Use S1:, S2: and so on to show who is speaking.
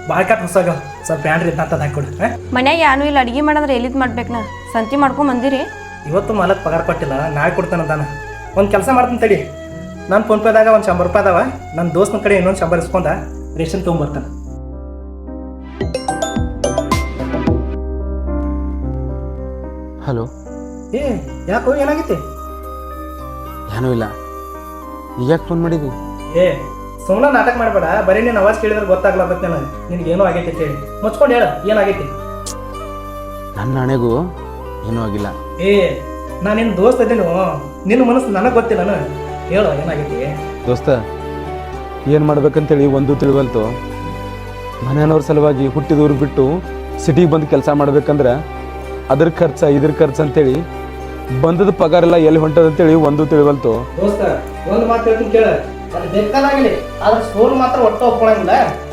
S1: ಭಾಳ ಕಟ್ ಹೊಸಾಗ ಸ್ವಲ್ಪ ಬ್ಯಾಡ್ರಿ ಅಂತ ಹಾಕೊಡು.
S2: ಮನ್ಯಾಗ ಯಾನು ಇಲ್ಲ ಅಡಿಗೆ ಮಾಡಂದ್ರೆ ಎಲ್ಲಿದ್ ಮಾಡ್ಬೇಕು ನಾ ಸಂತಿ ಮಾಡ್ಕೊಂಡ್ ಬಂದಿರಿ.
S1: ಇವತ್ತು ಮಾಲಕ್ ಪಗಾರ ಕೊಟ್ಟಿಲ್ಲ, ನಾಳೆ ಕೊಡ್ತಾನಂತಾನ. ಒಂದು ಕೆಲಸ ಮಾಡ್ತೀನಿ ತಡಿ, ನಾನು ಫೋನ್ಪೇದಾಗ ಒಂದು 100 ರೂಪಾಯಿ ಅದಾವ, ನನ್ನ ದೋಸ್ತನ ಕಡೆ ಇನ್ನೊಂದು 100 ಇಸ್ಕೊಂಡ ರೇಷನ್ ತೊಗೊಂಬರ್ತಾನೆ.
S3: ಹಲೋ.
S1: ಏ ಯಾಕೋ ಏನಾಗೈತಿ?
S3: ಏನೂ ಇಲ್ಲ. ಈಗ ಯಾಕೆ ಫೋನ್ ಮಾಡಿದ್ವಿ?
S1: ಏ ಸುಮ್ಮನೆ ನಾಟಕ ಮಾಡಬೇಡ, ಬರೀ ನೀನು ಅವಾಜ್ ಕೇಳಿದ್ರೆ ಗೊತ್ತಾಗ್ಲಾಗತ್ತೆ ನನಗೆ ನಿನಗೇನೋ ಆಗೈತಿ ಅಂತ ಹೇಳಿ. ಮುಚ್ಕೊಂಡು ಹೇಳ ಏನಾಗೈತಿ.
S3: ನನ್ನ ಹಣೆಗೂ ಏನೂ ಆಗಿಲ್ಲ.
S1: ಏ ನಾನು ನಿನ್ನ ದೋಸ್ತ ಇದ್ದೀನಿ, ನಿನ್ನ ಮನಸ್ಸು ನನಗೆ ಗೊತ್ತಿಲ್ಲ. ಹೇಳು ಏನಾಗೈತಿ.
S3: ದೋಸ್ತ, ಏನು ಮಾಡ್ಬೇಕಂತೇಳಿ ಒಂದು ತಿಳಿವಲ್ತು. ಮನೆಯವ್ರ ಸಲುವಾಗಿ ಹುಟ್ಟಿದವ್ರಿಗೆ ಬಿಟ್ಟು ಸಿಟಿಗೆ ಬಂದು ಕೆಲಸ ಮಾಡ್ಬೇಕಂದ್ರೆ ಅದ್ರ ಖರ್ಚು ಇದ್ರ ಖರ್ಚು ಅಂತೇಳಿ ಬಂದದ ಪಗಾರೆಲ್ಲ ಎಲ್ಲಿ ಹೊಂಟದಂತೇಳಿ ಒಂದು ತಿಳಿವಲ್ತು.
S1: ದೋಸ್ತ ಒಂದು ಮಾತು ಹೇಳ್ತೀನಿ ಕೇಳ, ಅದು ಬೇಕಾದಾಗಲಿ ಆದ್ರೆ ಸೋಲು ಮಾತ್ರ ಒಟ್ಟು ಒಪ್ಕೊಳಂಗಿಲ್ಲ.